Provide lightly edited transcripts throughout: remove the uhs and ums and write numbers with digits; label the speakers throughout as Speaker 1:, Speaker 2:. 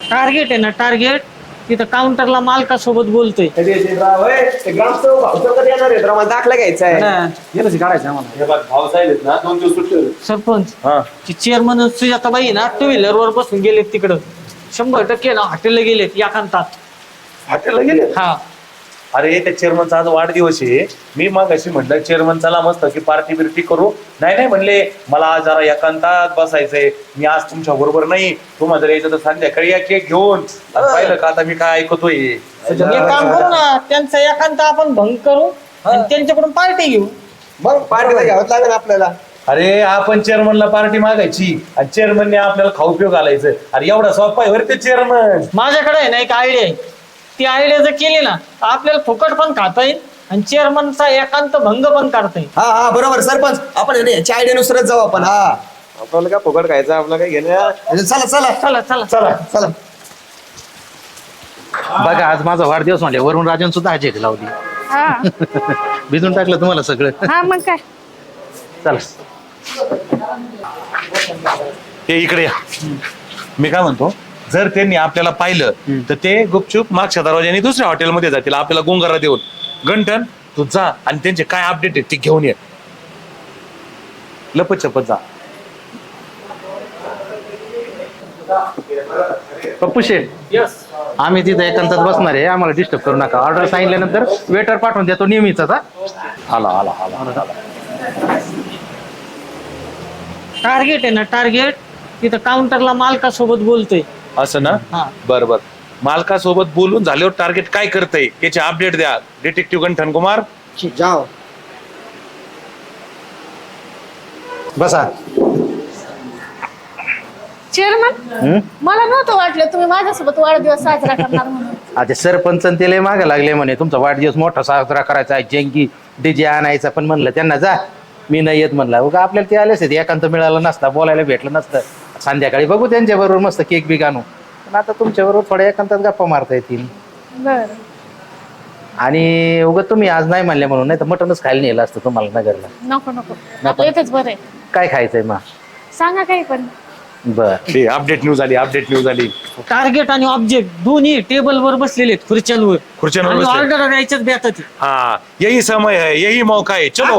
Speaker 1: Target आहे ना target. तिथं काउंटरला मालकासोबत बोलतोय.
Speaker 2: दाखला घ्यायचा आहे.
Speaker 3: काढायचं आम्हाला. भाऊसाहेब आहेत ना 2 दिवस सुट्टी होती.
Speaker 1: सरपंच ती चेअरमन सुजाताबाई ना 2 व्हीलरवर बसून गेलेत तिकडं. 100% ना हॉटेलला गेलेत एकांतात.
Speaker 3: हॉटेलला गेले.
Speaker 1: हा
Speaker 3: अरे त्या चेअरमनचा आज वाढदिवस आहे. मी मग अशी म्हटलं चेअरमन चला मस्त की पार्टी बिर्टी करू. नाही म्हणले मला आज जरा एकांतात बसायचंय. मी आज तुमच्या बरोबर नाही. तुम्हाला जर यायचं तर संध्याकाळी या केक घेऊन. पाहिलं का आता मी काय ऐकतोय.
Speaker 1: एक काम करू ना त्यांचा एकांत आपण भंग करू आणि त्यांच्याकडून पार्टी घेऊ.
Speaker 2: मग पार्टीला घ्यावंच लागेल आपल्याला.
Speaker 3: अरे आपण चेअरमनला पार्टी मागायची आणि चेअरमनने आपल्याला खाऊ पिऊ घालायचं. अरे एवढा सोपा आहे बरं ते चेअरमन.
Speaker 1: माझ्याकडे आहे ना एक आयडिया आहे. ती आयडिया जर केली ना आपल्याला फुकट पण खाता येईल आणि चेअरमनचा एकांत भंग पण करता येईल.
Speaker 2: हा बरोबर सरपंच. आपण याच्या आयडियानुसारच जाऊ आपण. हा आपल्याला काय फुकट खायचं आपलं काय घेणं. चला चला
Speaker 1: चला चला
Speaker 2: चला चला.
Speaker 4: बघा आज माझा वाढदिवस म्हणजे वरून राजन सुद्धा हजेक लावली.
Speaker 5: हा
Speaker 4: भिजून टाकलं तुम्हाला सगळं.
Speaker 5: हा मग काय.
Speaker 4: चला
Speaker 3: हे इकडे या. मी काय म्हणतो जर त्यांनी आपल्याला पाहिलं तर ते गुपचूप मागच्या दरवाज्याने दुसऱ्या हॉटेलमध्ये जातील आपल्याला गुंगारा देऊन. गंठन तू जा आणि त्यांचे काय अपडेट आहेत ते घेऊन ये. लपत चपत जा.
Speaker 4: पप्पू शेठ आम्ही तिथं एकांतात बसणार आहे. आम्हाला डिस्टर्ब करू नका. ऑर्डर सांगितल्यानंतर वेटर पाठवून देतो नेहमीच.
Speaker 3: आला
Speaker 1: टार्गेट आहे ना टार्गेट. तिथं काउंटरला मालकासोबत बोलतोय.
Speaker 3: असं ना.
Speaker 1: हा.
Speaker 3: बर मालकासोबत बोलून झाल्यावर टार्गेट काय करतंय त्याचे अपडेट द्या. डिटेक्टिव्ह गंठन कुमार
Speaker 2: जाओ.
Speaker 4: बसा.
Speaker 5: चेअरमन मला नव्हतं वाटलं तुम्ही माझ्यासोबत वाढदिवस साजरा करणार म्हणून.
Speaker 4: आता सरपंच ते लय मागे लागले म्हणे तुमचा वाढदिवस मोठा साजरा करायचा आहे. जेंगी डीजे आणायचा. पण म्हणलं त्यांना जा मी नाही येत म्हणला. उगा आपल्याला ते आलेच एकांत मिळालं नसता बोलायला भेटलं नसतं. संध्याकाळी बघू त्यांच्या बरोबर मस्त केक बी आणू. पण आता तुमच्या बरोबर थोड्या एकांतात गप्पा मारता येतील.
Speaker 5: बर
Speaker 4: आणि उगा तुम्ही आज नाही म्हणले म्हणून नाही तर मटनच खायला नेलं असतं तुम्हाला नगरला.
Speaker 5: नको आपलं इथंच बरं आहे.
Speaker 4: काय खायचंय मग
Speaker 5: सांगा काही पण.
Speaker 4: बर
Speaker 3: अपडेट न्यूज आली.
Speaker 1: टार्गेट आणि ऑब्जेक्ट दोन्ही टेबलवर बसलेले आहेत खुर्च्यांवर.
Speaker 3: बसले.
Speaker 1: ऑर्डर द्यायच्याच बेतात.
Speaker 3: हाँ यही समय है यही मौका है चलो.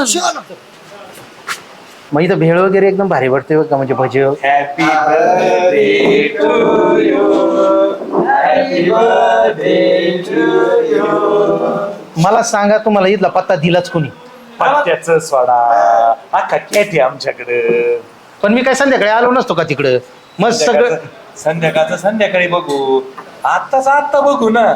Speaker 4: मग इथं भेळ वगैरे एकदम भारी वाटते बघ का. म्हणजे भजी
Speaker 3: happy birthday to you. Happy birthday to you.
Speaker 4: मला सांगा तुम्हाला इथला पत्ता दिलाच कोणी.
Speaker 3: पत्त्याचं सोडा अख्खा कॅट आमच्याकडे.
Speaker 4: पण मी काय संध्याकाळी आलो नसतो का तिकडं. मग सगळं
Speaker 3: संध्याकाळचं संध्याकाळी बघू. आत्ता बघू ना.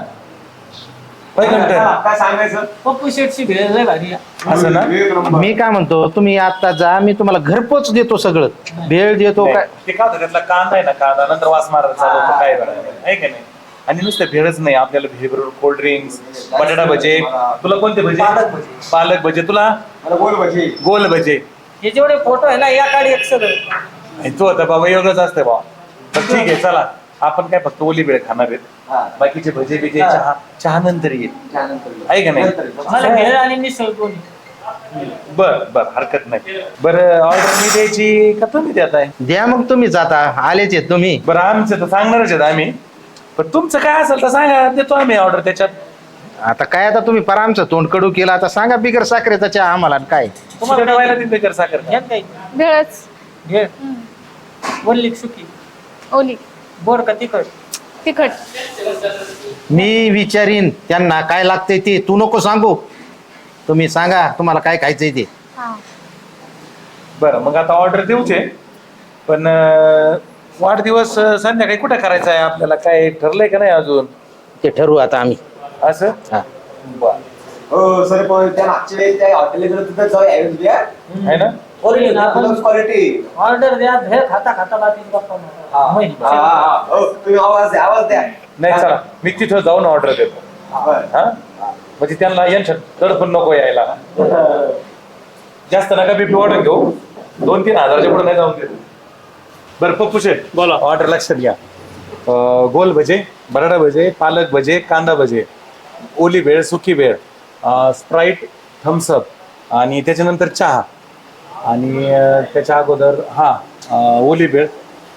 Speaker 2: काय सांगायचं.
Speaker 1: पप्पू शेटची भेळ लय भारी आहे.
Speaker 3: असं ना.
Speaker 4: मी काय म्हणतो तुम्ही आता जा. मी तुम्हाला घरपोच देतो सगळं. भेळ देतो काय.
Speaker 3: ते का होतं त्यातला कांदा आहे ना. कांदा नंतर वास मारायला चालू होतो. काय आहे का नाही. आणि नुसतं भेळच नाही आपल्याला भेळ बरोबर कोल्ड ड्रिंक्स बटाटा भजे. तुला कोणते भजे. पालक भजे. तुला गोल भजे.
Speaker 1: हे जेवढे फोटो आहे ना या काढी एक सगळं.
Speaker 3: तू आता बाबा एवढंच असते बा. तर ठीक आहे चला आपण काय फक्त ओली भेळ खाणार आहेत. बाकीचे भजे बिजे चहा नंतर येईल. आहे का नाही.
Speaker 1: मला भेळ आणि मिसळ दोन्ही.
Speaker 3: बर हरकत नाही. बरं ऑर्डर मी द्यायची का तुम्ही देत आहे.
Speaker 4: द्या मग तुम्ही जाता. आलेच आहेत तुम्ही.
Speaker 3: बरं आमचं तर सांगणारच आहेत आम्ही. पण तुमचं काय असेल तर सांगा देतो आम्ही ऑर्डर त्याच्यात.
Speaker 4: आता काय आता तुम्ही पर आमचं तोंड कडू केलं. आता सांगा बिगर साखरेचा चहा आम्हाला काय.
Speaker 3: तुम्हाला ठेवायला तिथे कर साखर.
Speaker 1: यात काही
Speaker 5: भेळच.
Speaker 1: भेळ वल्ली सुकी
Speaker 5: ओली
Speaker 1: गोड का तिखट.
Speaker 5: तिखट.
Speaker 4: मी विचारीन त्यांना काय लागतंय ते. तू नको सांगू. तुम्ही सांगा तुम्हाला काय खायचंय ते.
Speaker 5: हा
Speaker 3: बरं मग आता ऑर्डर देऊचे. पण वाढदिवस संध्याकाळी कुठं करायचा आहे आपल्याला काय ठरलंय का नाही अजून.
Speaker 4: ते ठरवू आता आम्ही.
Speaker 3: असं.
Speaker 4: हा
Speaker 3: बर
Speaker 2: हो सर पण त्या मागच्या वेळी त्या हॉटेलला गेलो तिथं जाऊ
Speaker 3: आहे ना.
Speaker 2: क्वालिटी.
Speaker 1: ऑर्डर द्या भेळ खाता खाता बाकी गप्पा मारा.
Speaker 2: तुम्ही आवाज द्या.
Speaker 3: नाही चला मी तिथं जाऊन ऑर्डर देतो. हा म्हणजे त्यांना यांच्या तडफून नको यायला. जास्त नका बीपी वाढून घेऊ. 2-3 हजाराच्या पुढे नाही जाऊन देतो. बरं पप्पू शेठ बोला ऑर्डर लक्षात घ्या. गोल भजे बटाटा भजे पालक भजे कांदा भजे ओली भेळ सुकी भेळ स्प्राईट थम्सअप आणि त्याच्यानंतर चहा आणि त्याच्या अगोदर ओली भेळ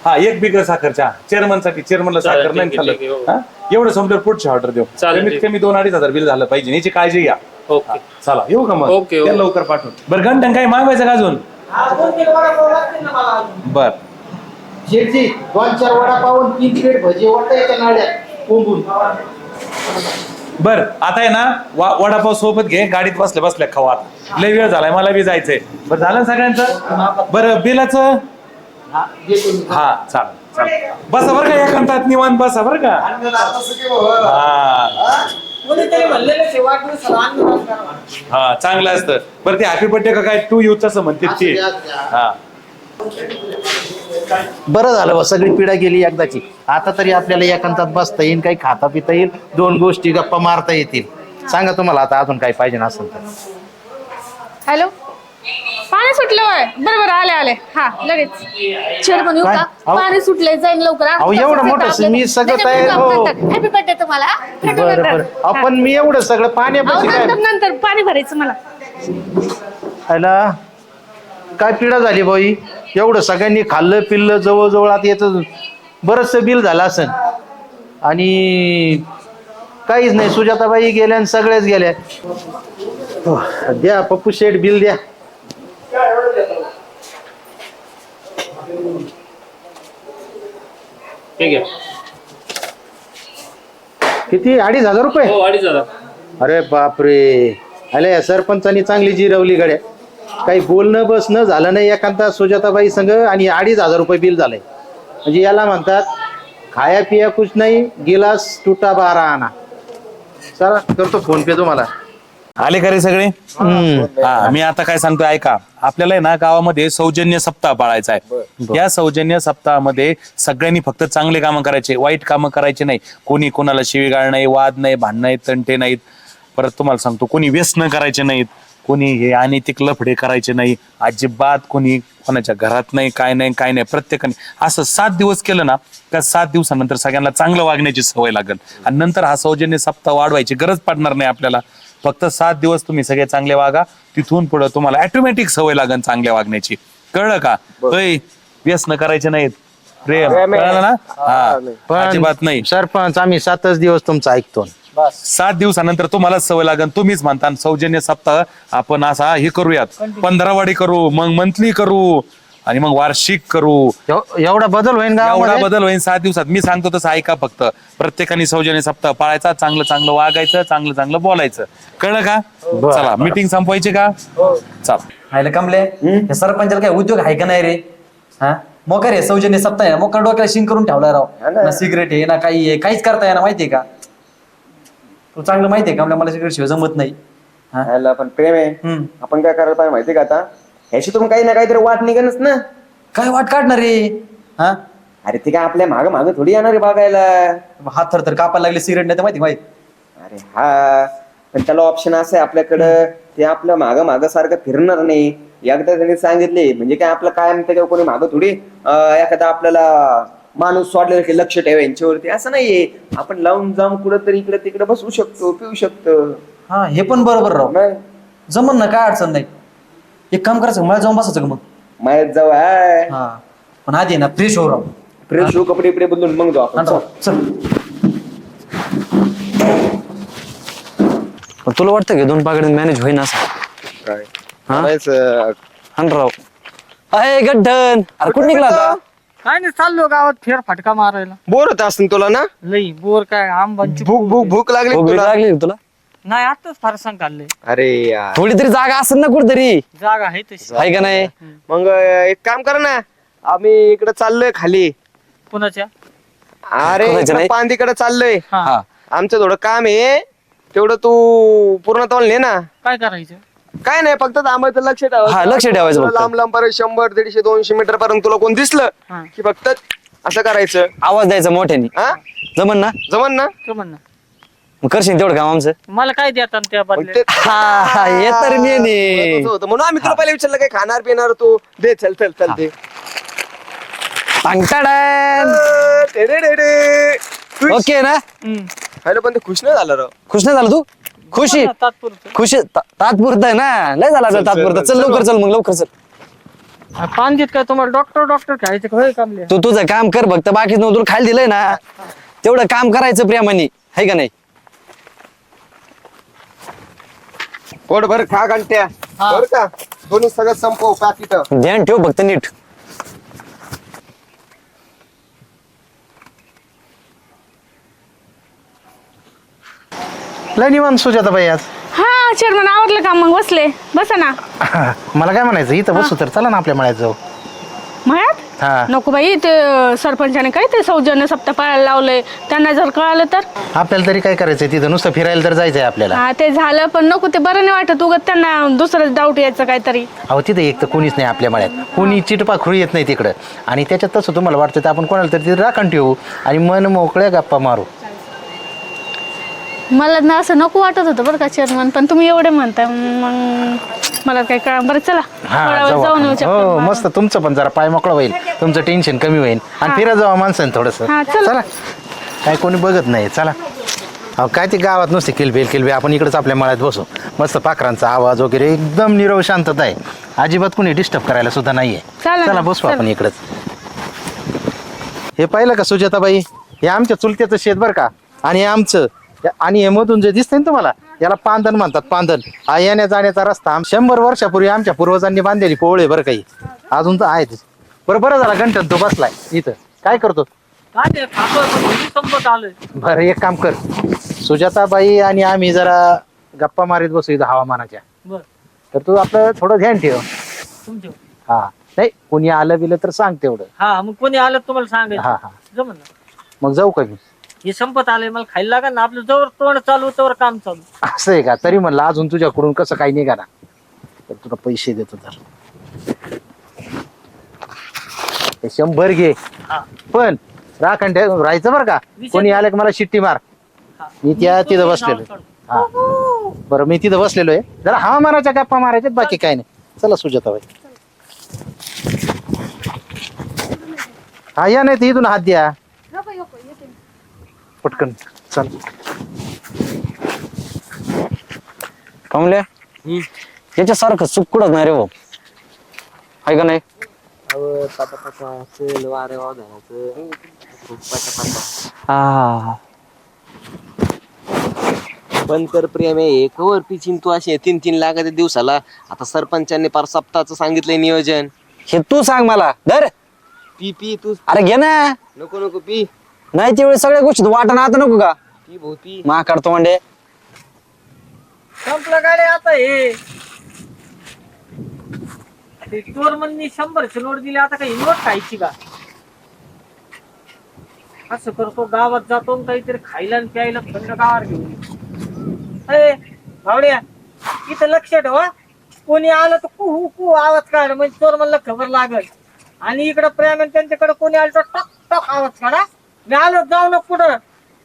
Speaker 3: हा 1 बिगर साखर चहा चेअरमनसाठी. चेअरमनला
Speaker 1: चालेल,
Speaker 3: साखर नाही
Speaker 1: ठीक आहे,
Speaker 3: खाल्लं.
Speaker 1: ठीक आहे, हो.
Speaker 3: हा? एवढं संपल्यावर पुढची ऑर्डर देऊ.
Speaker 1: चालेल,
Speaker 3: कमीत
Speaker 1: ठीक.
Speaker 3: कमी 2-2.5 हजार बिल झालं पाहिजे, याची काळजी घ्या.
Speaker 1: ओके.
Speaker 3: चला येऊ का मग?
Speaker 1: ओके,
Speaker 3: त्या
Speaker 1: ओके.
Speaker 3: लवकर पाठवून. बरं घंटन काही मागवायचं का अजून? बर
Speaker 4: शेटजी 2-4 वडापाव 3 प्लेट भजी वाटतं याच्या नाड्यात कोंबून.
Speaker 3: बर आता आहे ना वडापाव सोबत घे, गाडीत बसल्या बसल्या खावा. लय वेळ झालाय, मला बी जायचंय. बरं झालं ना सगळ्यांचं? बरं बिलाचं हा चालेल. बसा बरं का एकांतात निवांत बसा बरं का. हा
Speaker 1: कोणीतरी म्हणलेलं ते वाढदिवसाला अन्नदान करा.
Speaker 3: हा चांगलं असतं. बरं ते हॅपी बर्थडे का काय टू यू तसं म्हणते ते. हा
Speaker 4: बरं झालं बा, सगळी पिढा गेली एकदाची. आता तरी आपल्याला एकांतात बसता येईल, काही खाता पिता येईल, 2 गोष्टी गप्पा मारता येतील. सांगा तुम्हाला आता अजून काही पाहिजे असेल तर.
Speaker 5: हॅलो, पाणी सुटलं होय. बरोबर आले. हा लगेच चेअरमन येऊ
Speaker 4: काय?
Speaker 5: का?
Speaker 4: अहो.
Speaker 5: पाणी सुटलंय, जाईन लवकर.
Speaker 4: अहो, एवढं मोठं मी सगळं तयार हो.
Speaker 5: हॅपी बर्थडे तुम्हाला.
Speaker 4: बरं आपण मी एवढं सगळं पाण्यापाशी काय
Speaker 5: नंतर पाणी भरायचं मला.
Speaker 4: खायला काय पिढा झाली बाई. एवढं सगळ्यांनी खाल्लं पिल्लं जवळजवळ आता याचं बरंचसं बिल झालं असेल. आणि काहीच नाही, सुजाताबाई गेल्या आणि सगळ्याच गेल्या. द्या पप्पू शेठ बिल द्या.
Speaker 1: ठीक आहे.
Speaker 4: किती 2,500 रुपये?
Speaker 1: हो 2,500.
Speaker 4: अरे बापरे. अरे या सरपंचानी चांगली जिरवली गड्या. काही बोलणं बसणं झालं नाही एखादा सुजाताबाई संघ आणि 2,500 रुपये बिल झालंय. म्हणजे याला म्हणतात खाया पिया कुछ नाही, गिलास टुटा 12 आणा. चला करतो फोन पे तुम्हाला.
Speaker 3: आले का रे सगळे? हा मी आता काय सांगतोय ऐका. आपल्याला आहे ना गावामध्ये सौजन्य सप्ताह पाळायचा आहे. या सौजन्य सप्ताहामध्ये सगळ्यांनी फक्त चांगले कामं करायचे, वाईट कामं करायचे नाही. कोणी कोणाला शिवीगाळ नाही, वाद नाही, भांडण नाही, तंटे नाहीत. परत तुम्हाला सांगतो कोणी व्यसन करायचे नाहीत, कोणी हे अनैतिक लफडे करायचे नाही अजिबात. कोणी कोणाच्या घरात नाही, काय नाही. प्रत्येकाने असं 7 दिवस केलं ना का 7 दिवसानंतर सगळ्यांना चांगलं वागण्याची सवय लागेल. आणि नंतर हा सौजन्य सप्ताह वाढवायची गरज पडणार नाही आपल्याला. फक्त 7 दिवस तुम्ही सगळे चांगले वागा, तिथून पुढे तुम्हाला ऑटोमॅटिक सवय लागेल चांगल्या वागण्याची. कळलं का? व्यसन करायचे नाहीत, प्रेम. कळलं ना? हा अजिबात नाही.
Speaker 4: सरपंच आम्ही 7च दिवस तुमचं ऐकतो.
Speaker 3: 7 दिवसानंतर तुम्हाला सवय लागेल. तुम्हीच म्हणता सौजन्य सप्ताह आपण असा हे करूयात, 15वाडी करू, मग मंथली करू आणि मग वार्षिक करू.
Speaker 4: एवढा बदल होईल का?
Speaker 3: एवढा बदल होईल 7 दिवसात. मी सांगतो तसं ऐका फक्त. प्रत्येकाने सौजन्य सप्ताह पाळायचा, चांगलं वागायचं, चांगलं बोलायचं. कळलं का? चला मीटिंग संपवायची का? चला.
Speaker 6: हायला कमले हे सरपंचाला काय उद्योग आहे का नाही रे? हा मोकर आहे सौजन्य सप्ताह आहे, मोकर डोक्याला शिंग करून ठेवलाय राव. ना सिगरेट आहे ना काही आहे, काहीच करता येणार माहितीये का? तू चांगलं माहितीये का मला सिगरेट शिवाय जमत नाही.
Speaker 2: ह्याला पण प्रेम आहे. आपण काय करायला पाहिजे माहितीये का आता? ह्याशी तुम्ही काही ना काहीतरी वाट निघणच ना.
Speaker 6: काय वाट काढणार रे? हा
Speaker 2: अरे ते काय आपल्या माग थोडी येणार आहे बघायला.
Speaker 6: हात थर कापायला लागले सिगरेट नाही तर माहिती माहिती.
Speaker 2: अरे हा पण त्याला ऑप्शन असं आहे आपल्याकडं, ते आपल्या माग सारखं फिरणार नाही. एकदा त्यांनी सांगितले म्हणजे काय आपलं कायम त्याच्यावर कोणी मागं थोडी एखादा आपल्याला माणूस सोडलेला की लक्ष ठेवा यांच्यावरती, असं नाहीये. आपण लावून जाऊन कुठंतरी इकडे तिकडे बसू शकतो, पिऊ शकतो.
Speaker 6: हा हे पण बरोबर राव. जमन ना, काय अडचण नाही. एक काम करायचं मला जाऊन बसायचं का मग?
Speaker 2: मायात जाऊ आहे.
Speaker 6: हा पण आधी ना फ्रेश हो राव.
Speaker 2: फ्रेश कपडे इकडे बदलून मग जाऊ आपण.
Speaker 6: चल. तुला वाटतं का 2 पाकड्यात मॅनेज होईना असं? राव अरे गड्डन, अरे कुठं निघला आता?
Speaker 1: काय नाही, चाललो गावात फेर फटका मारायला.
Speaker 2: बोर होत असतील तुला ना?
Speaker 1: लई बोर. काय आंबांची
Speaker 2: भूक लागली
Speaker 6: भूक
Speaker 2: तुला?
Speaker 6: लागली तुला?
Speaker 1: नाही, आताच फारसांग काढले.
Speaker 2: अरे यार
Speaker 6: थोडी तरी जागा असेल ना कुठतरी,
Speaker 1: जागा आहे तशी.
Speaker 6: आहे का नाही?
Speaker 2: मग एक काम कर ना, आम्ही इकडे चाललोय खाली.
Speaker 1: पुण्याच्या
Speaker 2: अरे
Speaker 6: कोणाच्या नाही?
Speaker 2: पांदीकडे चाललोय.
Speaker 1: हा.
Speaker 2: आमचं थोडं काम आहे, तेवढं तू पूर्ण तोल ने ना.
Speaker 1: काय करायचं?
Speaker 2: काय नाही, फक्त थांबायचं, लक्ष
Speaker 6: हा,
Speaker 2: ठेवायचं.
Speaker 6: लक्ष ठेवायचं
Speaker 2: तुला
Speaker 6: फक्त.
Speaker 2: लांब लांब पर्यंत 100, 150, 200 मीटर पर्यंत तुला कोण दिसलं
Speaker 1: हा.
Speaker 2: की फक्त असं करायचं.
Speaker 6: आवाज द्यायचा मोठ्याने.
Speaker 2: हा
Speaker 6: जमन ना?
Speaker 2: जमन ना?
Speaker 1: जमन ना.
Speaker 6: मग करशील तेवढं काम आमचं?
Speaker 1: मला काय देतात त्या
Speaker 2: मग
Speaker 1: बदल्यात?
Speaker 2: ते
Speaker 6: हा हे तर मी
Speaker 2: महत्वाचं होतं. म्हणून आम्ही तुला पहिले विचारलं काय खाणार पिणार तू दे. चल दे.
Speaker 6: ओके ना?
Speaker 2: हॅलो पण ते खुश नाही झालं राव.
Speaker 6: खुश नाही झाला तू? खुशी
Speaker 1: हा, तात्पुरतं.
Speaker 6: खुशी तात्पुरतं आहे ना. लय झाला आता तात्पुरतं. चल लवकर चल, मग लवकर चल.
Speaker 1: पांजीत काय तुम्हाला डॉक्टर खायचं का होय कामले?
Speaker 7: तू तुझं काम कर फक्त, बाकी तुला खायला दिलंय ना तेवढं काम करायचं प्रेमाने, है का नाही?
Speaker 2: पोटभर खा घंट्या बर का, दोन्ही सगळं संपव पाकिट.
Speaker 7: ध्यान ठेव फक्त नीट.
Speaker 4: लय निवांत सुजाताबाई आज.
Speaker 5: हा चेअरमन आवडलं का? मग बसले, बसा ना.
Speaker 4: मला काय म्हणायचं, इथं बसू तर चला ना आपल्या मळ्यात जाऊ.
Speaker 5: मळ्यात
Speaker 4: हा,
Speaker 5: नको बाई, ते सरपंचाने काय ते सौजन्य सप्ताह पाळायला लावलंय, त्यांना जर कळालं तर.
Speaker 4: आपल्याला तरी काय करायचंय तिथं, नुसतं फिरायला तर जायचंय आपल्याला.
Speaker 5: हा ते झालं, पण नको, ते बरं नाही वाटत उगत त्यांना दुसरंच डाऊट यायचं काहीतरी.
Speaker 4: अहो तिथं एक तर कोणीच नाही आपल्या मळ्यात, कोणी चिटपाखरू येत नाही तिकडं. आणि त्याच्यात तसं तुम्हाला वाटतं तर आपण कोणाला तरी तिथे राखण ठेवू आणि मन मोकळ्या गप्पा मारू.
Speaker 5: मला ना असं नको वाटत होतं बरं का चेअरमन, पण तुम्ही एवढे म्हणताय मग मला काय कळा. बरं चला
Speaker 4: हा
Speaker 5: थोडा वेळ
Speaker 4: जाऊ
Speaker 5: जाऊन येऊ
Speaker 4: आपण.
Speaker 5: चक्कर
Speaker 4: हो
Speaker 5: मारून.
Speaker 4: मस्त, तुमचं पण जरा पाय मोकळा होईल, तुमचं टेन्शन कमी होईल आणि फिरा जावा माणसाने थोडस.
Speaker 5: हा, चला.
Speaker 4: चला, काय कोणी बघत नाही, चला. अहो काय ते गावात नुसते किलबिल, आपण इकडेच आपल्या मळ्यात बसू. मस्त पाखरांचा आवाज वगैरे, एकदम निरव शांतता आहे, अजिबात कोणी डिस्टर्ब करायला सुद्धा नाहीये.
Speaker 5: चला ना,
Speaker 4: चला बसू
Speaker 5: चला.
Speaker 4: आपण इकडच. हे पाहिलं का सुजाताबाई, हे आमच्या चुलत्याचं शेत बरं का, आणि हे आमचं. आणि हे मधून जे दिसतंय ना तुम्हाला, याला पांदन म्हणतात, पांदन. हा येण्या जाण्याचा रस्ता 100 वर्षापूर्वी आमच्या पूर्वजांनी बांधलेली पोवळे बरं काही, अजून तर आहेत. बरं झाला गंठन तो बसलाय इथं, काय करतो?
Speaker 1: काय ते खातोय पण घरी संपत आलोय.
Speaker 4: बरं एक काम कर, सुजाताबाई आणि आम्ही जरा गप्पा मारीत बसू इथं हवामानाच्या.
Speaker 1: बर
Speaker 4: तर तू आपलं थोडं ध्यान ठेव.
Speaker 1: तुमच्या
Speaker 4: हा नाही, कोणी आलं बिलं तर सांग तेवढं.
Speaker 1: हा मग कोणी आलं तुम्हाला सांगायचं.
Speaker 4: हा हा,
Speaker 1: जमन ना.
Speaker 4: मग जाऊ का मी?
Speaker 1: हे संपत आलंय, मला खायला लागेल ना. आपलं जवळ तोंड चालू तवर काम चालू.
Speaker 4: असं आहे का? तरी म्हणलं अजून तुझ्याकडून कसं काही निघा ना, तर तुला पैसे देतो. तर हे 100 घे,
Speaker 1: हा.
Speaker 4: पण राखण ठेव राहायचं बरं का. कोणी आलं की मला शिट्टी मार.
Speaker 1: हा.
Speaker 4: मी तिथं
Speaker 1: तुम्ही
Speaker 4: बसलेलो
Speaker 1: नाव
Speaker 4: आहे. हा बरं, मी तिथं बसलेलो आहे, जरा हवामानाच्या गप्पा मारायच्यात, बाकी काय नाही. चला सुजाताबाई. हा या, नाही तर इथून हात द्या पटकन. चल
Speaker 7: कमले, याच्यासारखं चूक कुठंच नाही रे भाऊ, आहे का नाही? हा,
Speaker 2: पण तर प्रेम आहे कवर पिचिन तू असे 3-3 लाख दिवसाला. आता सरपंचांनी पार सप्ताहाचं सांगितलंय नियोजन.
Speaker 7: हे तू सांग मला. धर,
Speaker 2: पी तू.
Speaker 7: अरे घे ना.
Speaker 2: नको पी.
Speaker 7: नाही तेवढे सगळ्या गोष्टी वाटण आता नको का?
Speaker 2: पी भाऊ पी.
Speaker 7: मा काढतो म्हणजे
Speaker 1: संपलं गाडी आता. हे ते चोरमननी 100ची नोट दिली, आता काही नोट खायची का? असं करतो, गावात जातो आणि काहीतरी खायला आणि प्यायला थंड गावावर घेऊन येतो. भावड्या, इथं लक्ष ठेव हा. कोणी आलं तर कुहू कुहू आवाज काढ, म्हणजे चोरमनला खबर लागल. आणि इकडं प्रेम आणि त्यांच्याकडे कोणी आलं तर टक टक आवाज काढा. मी आलो, जाऊ ना पुढं.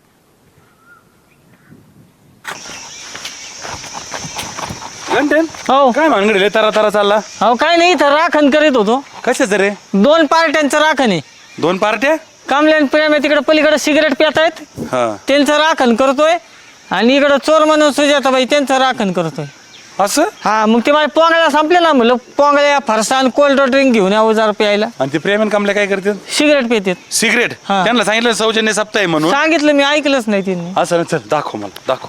Speaker 3: घंटन
Speaker 1: हो
Speaker 3: काय भानगडले तारा चालला?
Speaker 1: हो काय नाही, इथं राखण करीत होतो.
Speaker 3: कशाच रे?
Speaker 1: 2 पार्ट्यांचं राखण आहे.
Speaker 3: 2 पार्ट्या?
Speaker 1: कामले आणि प्रेम आहे, तिकडे पलीकडे सिगरेट पित आहेत,
Speaker 3: हा,
Speaker 1: त्यांचं राखण करतोय. आणि इकडं चोर म्हणून सुजाताबाई त्यांचं राखण करतोय.
Speaker 3: असं?
Speaker 1: हा मग ते माझ्या पोंगळ्या संपले ना, म्हणलं पोंगळ्या फरसाण कोल्ड ड्रिंक घेऊन यावं जरा प्यायला.
Speaker 3: आणि ते प्रेम आणि कमल्या काय करतात?
Speaker 1: सिगरेट पितात.
Speaker 3: सिगरेट?
Speaker 1: हा.
Speaker 3: त्यांना सांगितलं सौजन्य सप्ताह आहे म्हणून.
Speaker 1: सांगितलं, मी ऐकलंच नाही त्यांनी.
Speaker 3: असं ना, चल दाखव मला, दाखव.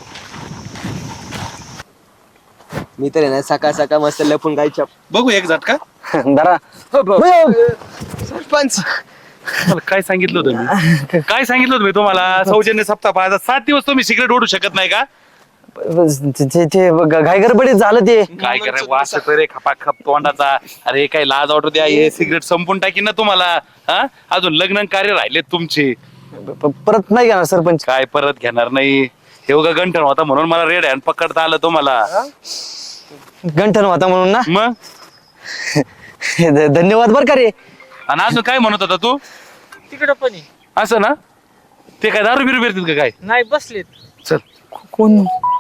Speaker 2: मी तर ना सकाळ मस्त लपून गायच्या.
Speaker 3: बघू एक झटका.
Speaker 7: जरा
Speaker 2: सरपंच
Speaker 3: मला काय सांगितलं होतं मी? काय सांगितलं होतं मी तुम्हाला? सौजन्य सप्ताह पाहायचा 7 दिवस तुम्ही सिगरेट ओढू शकत नाही का?
Speaker 7: ते घाई गडबडीत झालं ते.
Speaker 3: काय करायचं, वास येतोय रे खपाखप तोंडाचा. अरे काय लाज वाटू द्या, हे सिगरेट संपून टाकीन ना तुम्हाला. हा, अजून लग्न कार्य राहिलेत तुमचे.
Speaker 7: परत नाही घेणार सरपंच.
Speaker 3: काय परत घेणार नाही? हे बघा गंठन होता म्हणून मला रेड हँड पकडता आलं तुम्हाला.
Speaker 7: गंठन होता म्हणून ना.
Speaker 3: मग
Speaker 7: धन्यवाद बर का रे.
Speaker 3: आणि अजून काय म्हणत होता तू?
Speaker 1: तिकडं पण आहे.
Speaker 3: असं ना, ते काय दारू बिरू पिरतील का काय?
Speaker 1: नाही बसलेत.
Speaker 3: चल.
Speaker 7: कोण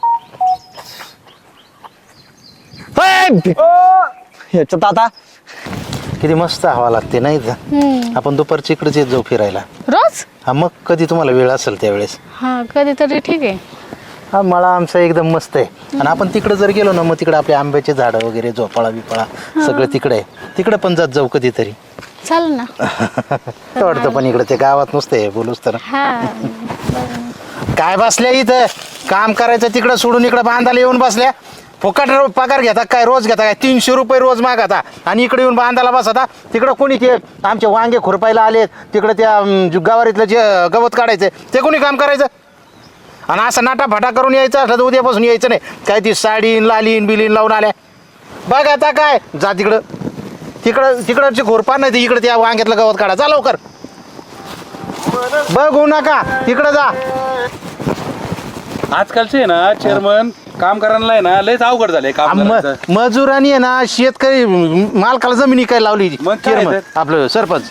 Speaker 7: याच्यात आता
Speaker 4: किती मस्त हवा लागते नाही का? आपण दुपारची इकडेच येत जाऊ फिरायला.
Speaker 5: रोज.
Speaker 4: हा मग कधी तुम्हाला वेळ असेल त्यावेळेस.
Speaker 5: हा कधीतरी ठीक आहे.
Speaker 4: हा मळा आमचा एकदम मस्त आहे, आणि आपण तिकडे जर गेलो ना मग तिकडे आपले आंब्याचे झाडं वगैरे झोपाळा बिपाळा सगळं तिकडे आहे. तिकडे पण जात जाऊ कधीतरी.
Speaker 5: चालेल ना.
Speaker 4: वाटतं पण इकडे ते गावात नुसते बोलूच तर.
Speaker 5: हा
Speaker 4: काय बसल्या इथं काम करायचं तिकडं सोडून इकडे बांधायला येऊन बसल्या. फुकट पगार घेता काय रोज घेता काय 300 रुपये रोज मागता आणि इकडे येऊन बांधायला बसता. तिकडं कोणी ते आमचे वांगे खुरपायला आलेत तिकडे त्या गावारीतलं जे गवत काढायचं ते कोणी काम करायचं. आणि असं नाटाफाटा करून यायचं असलं तर उद्यापासून यायचं नाही. काय ती साडीन लालीन बिलीन लावून आल्या बघ आता काय जा तिकडची खुरपा नाही इकडे त्या वांग्यातलं गवत काढा. जा लवकर बघू नका तिकडं जा.
Speaker 3: आजकालचे आहे ना चेअरमन काम करायला आहे ना लयच अवघड झाले काम करायचं.
Speaker 4: मजुरांनी आहे ना शेतकरी मालकाला जमिनी काय लावली
Speaker 3: मग काय
Speaker 4: चेअरमन
Speaker 3: तर?
Speaker 4: आपलं सरपंच.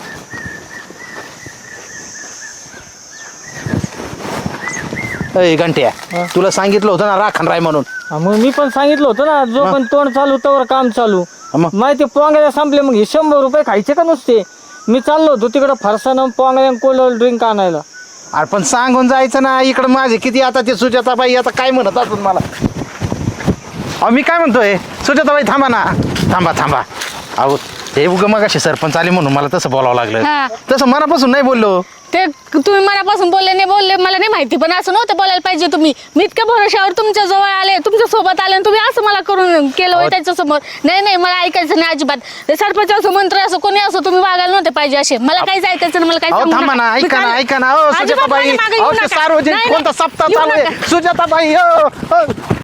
Speaker 4: अय घंट्या तुला सांगितलं होतं ना राखण राय म्हणून.
Speaker 1: मग मी पण सांगितलं होतं ना जो पण तोंड चालू तोवर काम चालू.
Speaker 4: मग?
Speaker 1: माहिती पोंगायला संपले मग हे 100 रुपये खायचे का नुसते. मी चाललो होतो तिकडं फरसाण पोंगायला कोल्ड ड्रिंक आणायला.
Speaker 4: अरे पण सांगून जायचं ना इकडं माझे किती आता ते सुजाताबाई आता काय म्हणत असून मला. अहो मी काय म्हणतोय सुजाताबाई थांबा ना थांबा. अहो ते उगं मगाशी सरपंच आले म्हणून मला तसं बोलावं लागलं.
Speaker 5: हा.
Speaker 4: तसं मनापासून नाही बोललो.
Speaker 5: ते तुम्ही मनापासून बोलले नाही बोलले मला नाही माहिती पण असं नव्हतं बोलायला पाहिजे तुम्ही. मी इतक्या भरोशावर तुमच्या जवळ आले तुमच्या सोबत आले आणि तुम्ही असं मला करून केलं होय त्याच्या समोर. नाही मला ऐकायचं नाही अजिबात. ते सरपंच असो मंत्री असो कोणी असो तुम्ही वागायला नव्हते पाहिजे असे. मला काही ऐकायचं नाही मला काही
Speaker 4: अहो
Speaker 5: सांगू
Speaker 4: थांबा ना
Speaker 5: नका.
Speaker 4: ऐका ना हो
Speaker 5: अजिबात
Speaker 4: सुजाताबाई.
Speaker 5: माझ्या मागे येऊ
Speaker 4: अहो ते
Speaker 5: नका.
Speaker 4: सार्वजनिक
Speaker 5: नाही,
Speaker 4: कोणता सप्ताह
Speaker 5: येऊ
Speaker 4: चालू आहे
Speaker 5: नका.
Speaker 4: सुजाताबाई हो